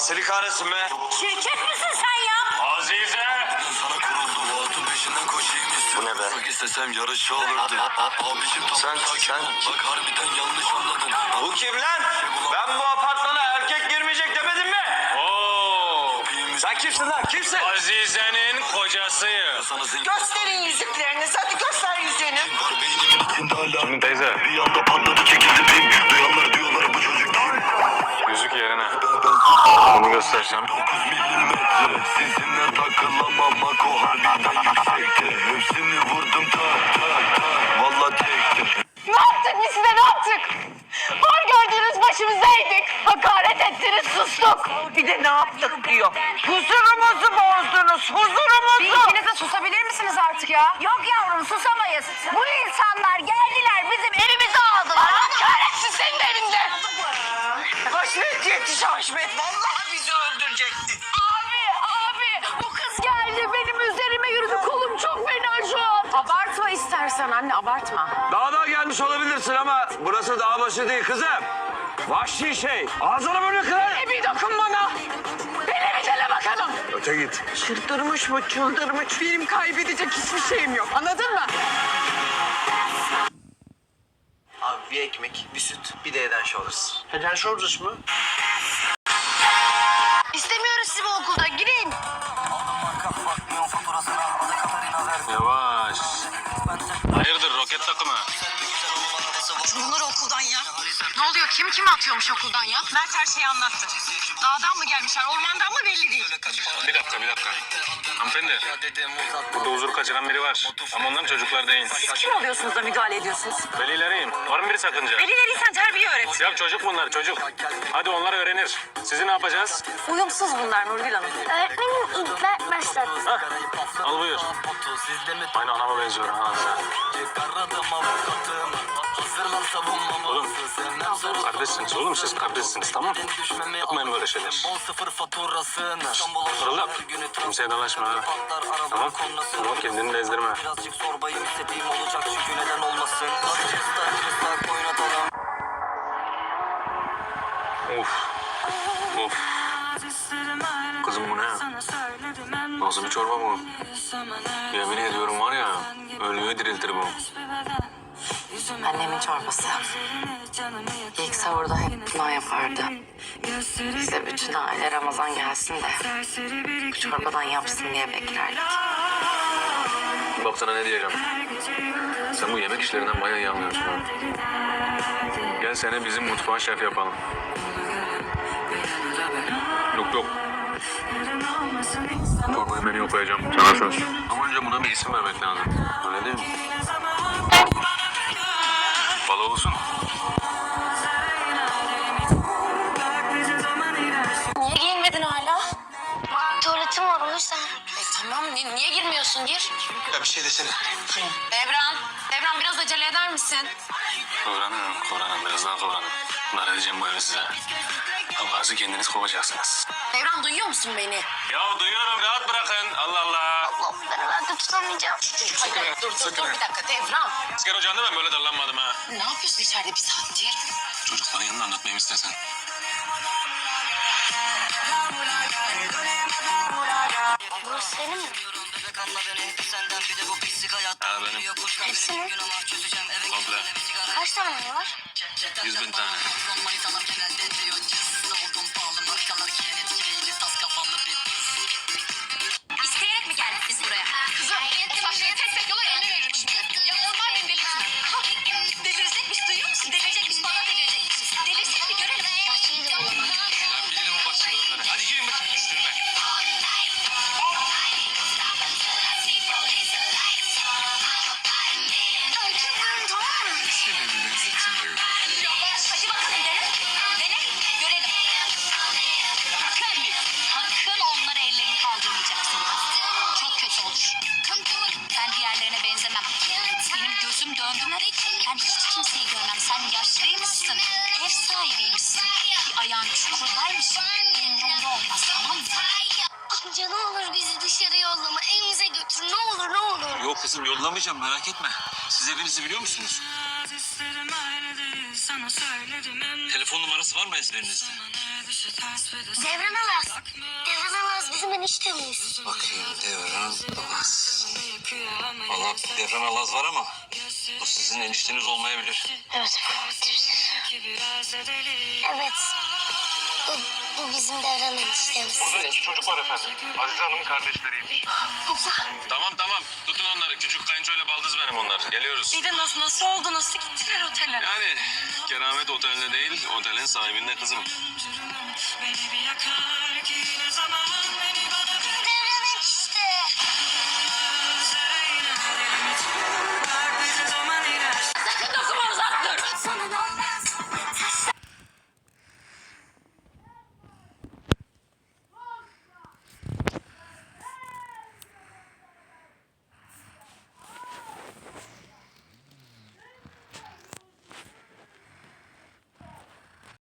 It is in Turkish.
seni kahretsin be. Şirket misin sen ya? Azize. Bu ne be? İstesem yarış olurdu. Abicim Sen. bak harbiden yanlış anladın. Bu kim lan? Ben bu apartmana erkek girmeyecek demedim mi? Oo. Sen kimsin lan? Kimsin? Azize'nin kocasıyım. Gösterin yüzüklerinizi. Hadi göster yüzüğünü. Kimin teyze? Bir anda patladı çekildi pim. Duyanlar diyorlar bu çocuk kim? Yüzük yerine. Bunu göstersem. 9 milimetre. Sizinle takılamam. Mako harbiden yüksekte. Hepsini vurdum tak tak tak. Valla tekte. Ne yaptık biz size ne yaptık? Var gördüğünüz başımızdaydık. Hakaret ettiniz sustuk. Bir de ne yaptık diyor. Huzurumuzu bozdunuz. Huzurumuzu. Bir ikiniz de susabilir misiniz artık ya? Yok yavrum susamayız. Bu insanlar geldiler bizim evimizi aldılar. Allah kahretsin senin evinde. Haşmet yetiş Haşmet. Vallahi bizi öldürecekti. Abi bu kız geldi benim üzerime yürüdü. Kolum çok fena şu an. Abartma istersen anne abartma. Dağdan gelmiş olabilirsin ama burası dağ başı değil kızım. Vahşi şey. Ağzını böyle kırar. Bir dokun bana. Beni bir dele bakalım. Öte git. Çıldırmış mı çıldırmış. Benim kaybedecek hiçbir şeyim yok. Anladın mı? Abi bir ekmek, bir süt, bir de Eden Shoulders. Eden Shoulders mı? İstemiyoruz sizi bu okulda. Girin. Yavaş. Hayırdır roket takımı? Bunlar okuldan ya. Ne oluyor? Kim atıyormuş okuldan ya? Mert her şeyi anlattı. Dağdan mı gelmişler, ormandan mı belli değil. Bir dakika. Hanımefendi. Burada huzur kaçıran biri var. Ama onların çocuklar değil. Kim oluyorsunuz da müdahale ediyorsunuz? Velileriyim. Var mı bir sakınca? Velilerinden terbiye öğret. Ya çocuk bunlar çocuk. Hadi onlar öğrenir. Sizi ne yapacağız? Uyumsuz bunlar Nurgül Hanım. Öğretmenim ilk ben başlattım. Hah, al buyur. Aynı anama benziyor ha. Oğlum, kardeşsiniz oğlum siz kardeşsiniz tamam mı? Yapmayın böyle şeyler. Fırlak, kimseye dalaşma ha. Tamam, tamam kendini de ezdirme. Birazcık zorbayım istediğim olacak çünkü neden olmasın. Of. Kızım bu ne? Nasıl bir çorba bu? Yemin ediyorum var ya, ölüyü diriltir bu. Annemin çorbası. İlk sahurda hep buna yapardı. Bize bütün aile Ramazan gelsin de bu çorbadan yapsın diye beklerdik. Bak sana ne diyeceğim. Sen bu yemek işlerinden bayağı iyi anlıyorsun ha. Gel seni bizim mutfağa şef yapalım. Yok. Çorbayı menüye koyacağım. Sana söz. Ama önce buna bir isim vermek lazım. Öyle değil mi? Bala olsun. Niye giyinmedin hala? Tuvaletim var o yüzden. Tamam niye girmiyorsun gir. Ya bir şey desene. Devran biraz acele eder misin? Kıvranın. Biraz daha kıvranın. Bunlar edeceğim bu evi size. Allah'ınızı kendiniz kovacaksınız. Devran duyuyor musun beni? Ya duyuyorum rahat bırakın. Allah Allah. Allah ben herhalde tutamayacağım. Dur bir dakika Devran. Asker ocağında ben böyle darlanmadım ha. Ne yapıyorsun içeride bir saattir? Çocukların yanında anlatmayayım istersen. Burası senin mi? Ha benim. Hepsi mi? Komple. Kaç tane var? 100.000 tane. İsteyerek mi geldin biz buraya? Kızım o saçları tek yola eline veririm şimdi. Ya onlar beni delirtme. Delirecekmiş duyuyor musun? Delirecekmiş bana delirecekmiş. Delirsin bir görelim. Bahçeyi de bulamam. Ben bilirim o başka olanları. Hadi girin bakayım üstüne. Yavaş hadi bakalım dene. Görelim. Sakın onlara ellerini kaldırmayacaksın. Çok kötü olur. Ben diğerlerine benzemem. Benim gözüm döndü. Ben hiç kimseyi görmem. Sen yaşlıymışsın. Ev sahibiymişsin. Bir ayağın çukurdaymış. Umurumda olmaz tamam mı? Amca ne olur bizi dışarı yollama. Evimize götür ne olur. Yok kızım yollamayacağım merak etme. Siz evinizi biliyor musunuz? Telefon numarası var mı ezberinizde? Devran Alaz. Devran Alaz bizim eniştemiz. Bakayım Devran Alaz. Valla Devran Alaz var ama bu sizin enişteniz olmayabilir. Evet. Evet. Bu bizim Devran eniştemiz. Burada 2 çocuk var efendim. Azize Hanım'ın kardeşleriymiş. Tamam tamam. Tutun onları. Küçük kayınçoyla baldız benim onlar. Geliyoruz. Bir de nasıl oldu? Nasıl gittiler otele? Yani keramet otelde değil, otelin sahibinde kızım.